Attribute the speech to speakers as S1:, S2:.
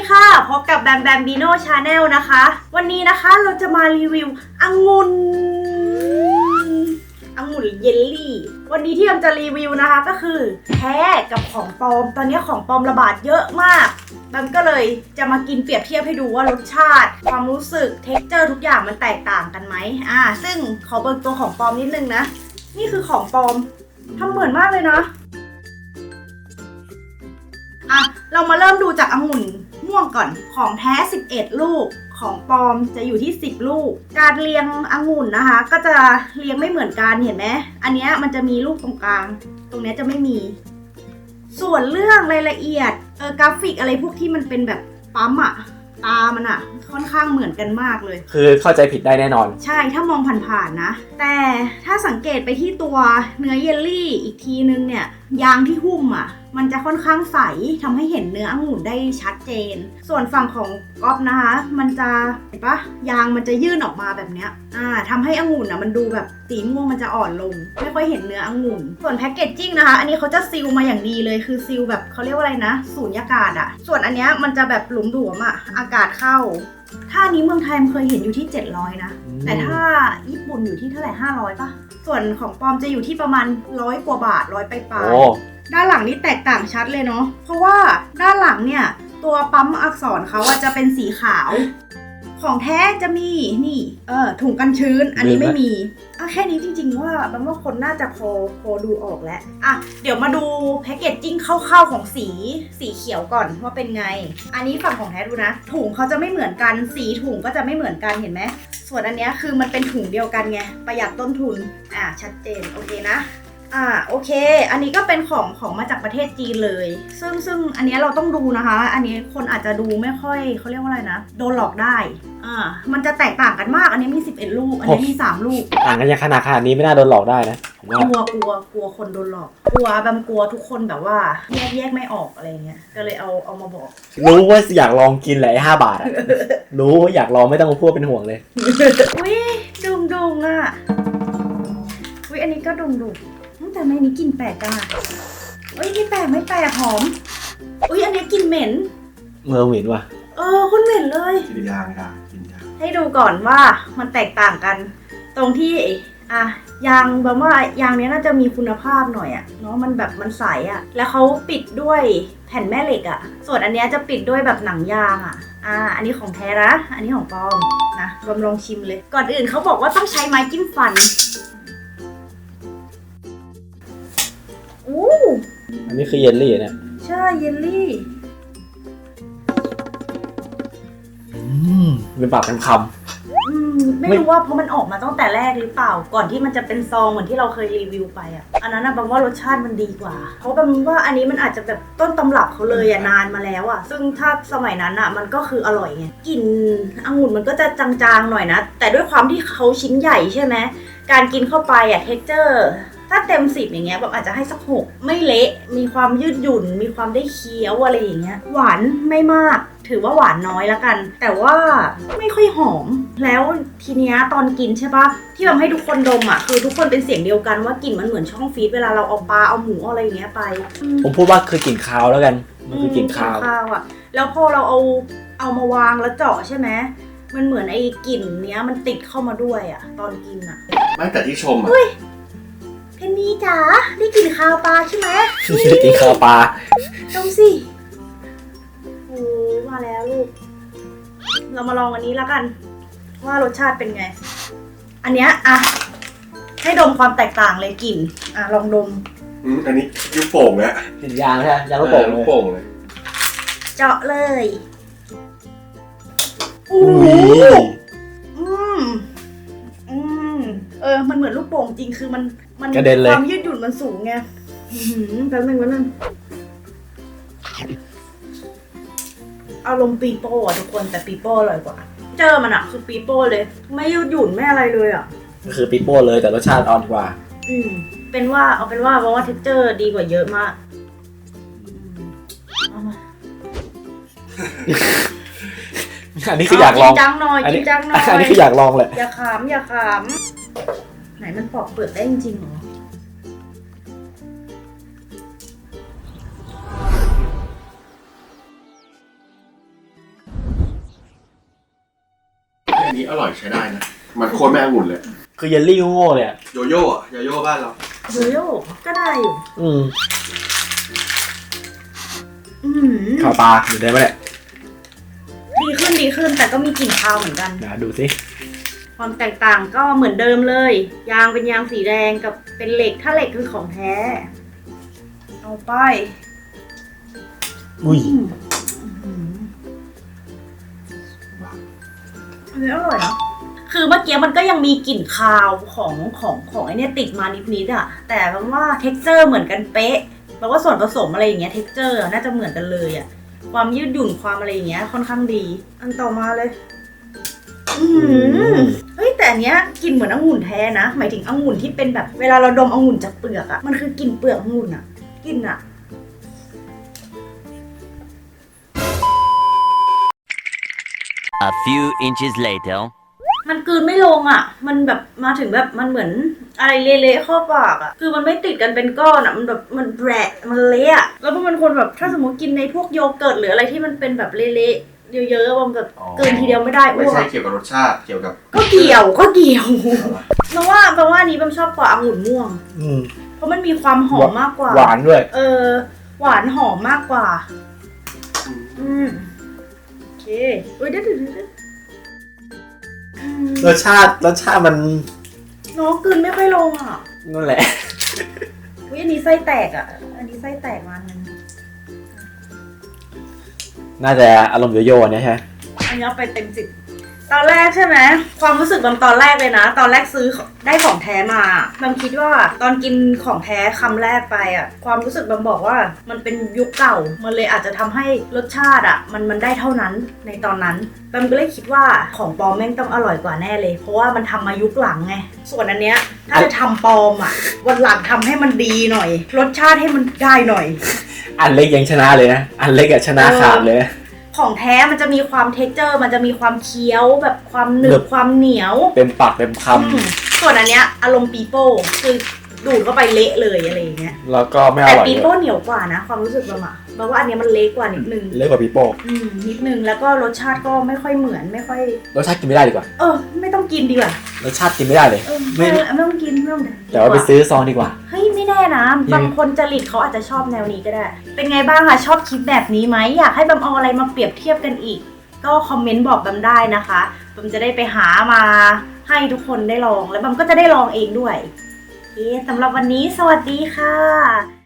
S1: ค่ะพบกับแบมแบมบีโน่ชาแนลนะคะวันนี้นะคะเราจะมารีวิวองุ่นเยลลี่วันนี้ที่แบมจะรีวิวนะคะก็คือแท้กับของปลอมตอนนี้ของปลอมระบาดเยอะมากแบมก็เลยจะมากินเปรียบเทียบให้ดูว่ารสชาติความรู้สึกเท็กเจอร์ทุกอย่างมันแตกต่างกันไหมซึ่งขอเบิกตัวของปลอมนิดนึงนะนี่คือของปลอมทำเหมือนมากเลยนะเรามาเริ่มดูจากองุ่นม่วงก่อนของแท้11ลูกของปลอมจะอยู่ที่10ลูกการเรียงองุ่นนะคะก็จะเรียงไม่เหมือนกันเห็นไหมอันนี้มันจะมีลูกตรงกลางตรงนี้จะไม่มีส่วนเรื่องรายละเอียดกราฟิกอะไรพวกที่มันเป็นแบบปั๊มตามันค่อนข้างเหมือนกันมากเลย
S2: คือเข้าใจผิดได้แน่นอน
S1: ใช่ถ้ามองผ่านๆนะแต่ถ้าสังเกตไปที่ตัวเนื้อเยลลี่อีกทีนึงเนี่ยยางที่หุ้มมันจะค่อนข้างใสทำให้เห็นเนื้อองุ่นได้ชัดเจนส่วนฝั่งของก๊อฟนะคะมันจะเห็นปะยางมันจะยื่นออกมาแบบเนี้ยทำให้องุ่นมันดูแบบสีม่วงมันจะอ่อนลงไม่ค่อยเห็นเนื้อองุ่นส่วนแพคเกจจิ้งนะคะอันนี้เขาจะซีลมาอย่างดีเลยคือซีลแบบเขาเรียกว่าอะไรนะสูญญากาศส่วนอันเนี้ยมันจะแบบหลุมหลวมอากาศเข้าถ้านี้เมืองไทยเคยเห็นอยู่ที่700นะแต่ถ้าญี่ปุ่นอยู่ที่เท่าไหร่500ป่ะส่วนของปลอมจะอยู่ที่ประมาณ100 กว่าบาท100 ปลายด้านหลังนี่แตกต่างชัดเลยเนาะเพราะว่าด้านหลังเนี่ยตัวปั๊มอักษรเขาจะเป็นสีขาวของแท้จะมีนี่ถุงกันชื้นอันนี้ไม่มีแค่นี้จริงๆว่าบังว่าคนน่าจะพอดูออกแล้วเดี๋ยวมาดูแพคเกจจิ้งคร่าวๆของสีเขียวก่อนว่าเป็นไงอันนี้ฝั่งของแท้ดูนะถุงเขาจะไม่เหมือนกันสีถุงก็จะไม่เหมือนกันเห็นไหมส่วนอันนี้คือมันเป็นถุงเดียวกันไงประหยัดต้นทุนชัดเจนโอเคนะโอเคอันนี้ก็เป็นของมาจากประเทศจีนเลยซึ่งอันนี้เราต้องดูนะคะอันนี้คนอาจจะดูไม่ค่อยเขาเรียกว่าอะไรนะโดนหลอกได้มันจะแตกต่างกันมากอันนี้มี11ลูกอันนี้มี3ลูก
S2: ต่างกันยังขนาดนี้ไม่น่าโดนหลอกได้นะ
S1: กลัวคนโดนหลอกกลัวทุกคนแบบว่าแยกไม่ออกอะไรเงี้ยก็เลยเอามาบอก
S2: รู้ว่าอยากลองกินแหละ5 บาทรู้ว่าอยากลองไม่ต้องมาพูดเป็นห่วงเลย
S1: อุ้ยดุงอุ้ยอันนี้ก็ดุงแต่ไม่นี้กลิ่นแปลกจังอุ้ยไม่แปลกหอมอุ้ยอันนี้กลิ่นเหม็น
S2: เหม็นว่ะ
S1: คนเหม็นเลย
S3: กินยาง
S1: ให้ดูก่อนว่ามันแตกต่างกันตรงที่ยางแบบว่ายางนี้น่าจะมีคุณภาพหน่อยเนาะมันแบบมันใสแล้วเขาปิดด้วยแผ่นแม่เหล็กส่วนอันนี้จะปิดด้วยแบบหนังยางอันนี้ของแท้นะอันนี้ของปลอมนะลองชิมเลยก่อนอื่นเขาบอกว่าต้องใช้ไม้จิ้มฟัน
S2: อันนี้คือเยลลี่เนี่ย
S1: ใช่เยลลี่
S2: เป็นปากเป็นค
S1: ำไม่รู้ว่าเพราะมันออกมาตั้งแต่แรกหรือเปล่าก่อนที่มันจะเป็นซองเหมือนที่เราเคยรีวิวไปอันนั้นบางว่ารสชาติมันดีกว่าเพราะบางว่าอันนี้มันอาจจะแบบต้นตำรับเขาเลยนานมาแล้วซึ่งถ้าสมัยนั้นมันก็คืออร่อยไงกลิ่นองุ่นมันก็จะจางๆหน่อยนะแต่ด้วยความที่เขาชิ้นใหญ่ใช่ไหมการกินเข้าไปเท็กเจอร์ถ้าเต็ม10อย่างเงี้ยแบบอาจจะให้สัก6ไม่เละมีความยืดหยุ่นมีความได้เคี้ยวอะไรอย่างเงี้ยหวานไม่มากถือว่าหวานน้อยละกันแต่ว่าไม่ค่อยหอมแล้วทีเนี้ยตอนกินใช่ปะที่ทำให้ทุกคนดมคือทุกคนเป็นเสียงเดียวกันว่ากลิ่นมันเหมือนช่องฟีดเวลาเราเอาปลาเอาหมูอะไรอย่างเงี้ยไป
S2: ผมพูดว่าคือกลิ่นคาวแล้วกันมันคือกลิ่นคาว
S1: แล้วพอเราเอามาวางแล้วเจาะใช่ไหมมันเหมือนไอ้กลิ่นเนี้ยมันติดเข้ามาด้วยตอนกิน
S3: ไม่แต่ที่ชม
S1: เพนนีจ๋าได้กลิ่นคาวปลาใช่ไหม
S2: ได้กลิ่นคาวปลา
S1: ดมสิโอ้มาแล้วลูกเรามาลองอันนี้แล้วกันว่ารสชาติเป็นไงอันเนี้ยให้ดมความแตกต่างเลยกลิ่นลองดม
S3: อันนี้ยุบโป่งแล้ว
S2: กลิ่นยางใช่ยางลูกโป่ง
S3: เลย
S1: เจาะเลยโอ้มันเหมือนลูกโป่งจริงคือมันความยืดหยุ่นมันสูงไงแป๊บนึงอารมณ์ปีโป้ทุกคนแต่ปีโป้อร่อยกว่าเจอมันคือปีโป้เลยไม่ยืดหยุ่นไม่อะไรเลย
S2: คือปีโป้เลยแต่รสชาติอ่อนกว่า
S1: เอาเป็นว่าเพราะว่าเท็กเจอร์ดีกว่าเยอะมาก
S2: อันนี้คืออยากลอง
S1: จริงจังหน่อย
S2: อันนี้คืออยากลองแหละ
S1: อย่าขำไหนมันปอกเปลือกได้จริงๆหรอ
S3: นี้อร่อยใช้ได้นะ มันโคตรแม่องุ่นเลย
S2: คือเยลลี่โง่ๆเลยอะ
S3: โยโย่อะโยโย่บ้านเรา
S1: โยโย่ก็ได้อยู่
S2: อืม
S1: อืม
S2: ข่าวปลาอยู่ได้ไหมเนี่ย
S1: ดีขึ้นแต่ก็มีกลิ่นคาวเหมือนกัน
S2: นะดูสิ
S1: ความแตกต่างก็เหมือนเดิมเลย ยางเป็นยางสีแดงกับเป็นเหล็กถ้าเหล็กคือของแท้ เอาไป
S2: อุ้ย
S1: อันนี้อร่อยนะคือเมื่อกี้มันก็ยังมีกลิ่นคาวของไอเนี้ยติดมานิดๆอ่ะ แต่แปลว่าเท็กเจอร์เหมือนกันเป๊ะแปลว่าส่วนผสมอะไรอย่างเงี้ยเท็กเจอร์น่าจะเหมือนกันเลยอ่ะ ความยืดหยุ่นความอะไรอย่างเงี้ยค่อนข้างดี อันต่อมาเลย เฮ้ยแต่อันเนี้ยกลิ่นเหมือนองุ่นแท้นะหมายถึงองุ่นที่เป็นแบบเวลาเราดมองุ่นจากเปลือกอะมันคือกลิ่นเปลือกองุ่นอะกลิ่นอะ
S4: A few inches later.
S1: มันกลืนไม่ลงอะมันแบบมาถึงแบบมันเหมือนอะไรเละๆเข้าปากอะคือมันไม่ติดกันเป็นก้อนอะมันแบบมันแบะมันเละอะแล้วมันคนแบบถ้าสมมติกินในพวกโยเกิร์ตหรืออะไรที่มันเป็นแบบเละๆเยอะๆมันแบบกลืนทีเดียวไม่ได้
S3: ไม่
S1: อ้ว
S3: ใช่
S1: ก
S3: เกี่ยวกับรสชาติ เกี่ยวกับ
S1: ก็เกี่ยวแปลว่าอันนี้ผมชอบกว่าองุ่นม่วง
S2: อืม
S1: เพราะมันมีความหอมมากกว่า
S2: หวานด้วย
S1: หวานหอมมากกว่า โอเคเดี๋ยว
S2: รสชาติมัน
S1: น้องกลืนไม่ค่อยลงอ่ะ
S2: นั่นแหละ
S1: อันนี้ไส้แตกอ่ะ อันนี้ไส้แตกมันนึง
S2: น่าจะอารมณ์โยโย่เนี่ยใช่ไหม
S1: อันนี้เอาไปเต็ม10ตอนแรกใช่ไหมความรู้สึกตอนแรกเลยนะ ตอนแรกซื้อได้ของแท้มาบางคิดว่าตอนกินของแท้คำแรกไปอ่ะ ความรู้สึกบางบอกว่ามันเป็นยุคเก่า มันเลยอาจจะทำให้รสชาติอ่ะมันได้เท่านั้นในตอนนั้นบางก็เลยคิดว่าของปลอมแม่งต้องอร่อยกว่าแน่เลย เพราะว่ามันทำมายุคหลังไง ส่วนอันเนี้ยถ้าจะทำปลอมอ่ะวันหลังทำให้มันดีหน่อย รสชาติให้มันได้หน่อย
S2: อันเล็กยังชนะเลยนะ อันเล็กอะชนะขาดเลย
S1: ของแท้มันจะมีความเท็กเจอร์มันจะมีความเคี้ยวแบบความหนึ
S2: หนึ
S1: บบ ความเหนียว
S2: เต็มปากเต็มค
S1: ส่วนอันเนี้ยอารมณ์ปีโป้คือดูดเข้าไปเละเลยอะไรอย่างเงี้ย
S2: ำแล้วก็ไม่อ
S1: แต่
S2: ร่อย
S1: ปี
S2: เล
S1: โป้
S2: ย
S1: เหนียวกว่านะความรู้สึกเราอะแปลว่าอันเนี้ยมันเละกว่านิดนึง
S2: เล็กกว่าปีโป้
S1: นิดนึงแล้วก็รสชาติก็ไม่ค่อยเหมือนไม่ค่อย
S2: รสชาติกินไม่ได้ดีกว่า
S1: ไม่ต้องกินดีกว่าร
S2: สชาติกินไม่ได้เลย ไม่
S1: ไม่ต้องกินไม่ต้อง
S2: แต่ว่าไปซื้อซองดีกว่า
S1: เฮ้ยไม่แน่นะบางคนจริตเขาอาจจะชอบแนวนี้ก็ได้ เป็นไงบ้างคะชอบคลิปแบบนี้ไหมอยากให้บัมเอาอะไรมาเปรียบเทียบกันอีก ก็คอมเมนต์บอกบัมได้นะคะบัมจะได้ไปหามาให้ทุกคนได้ลองแล้วบัมก็จะได้ลองเองด้วยโอเคสำหรับวันนี้สวัสดีค่ะ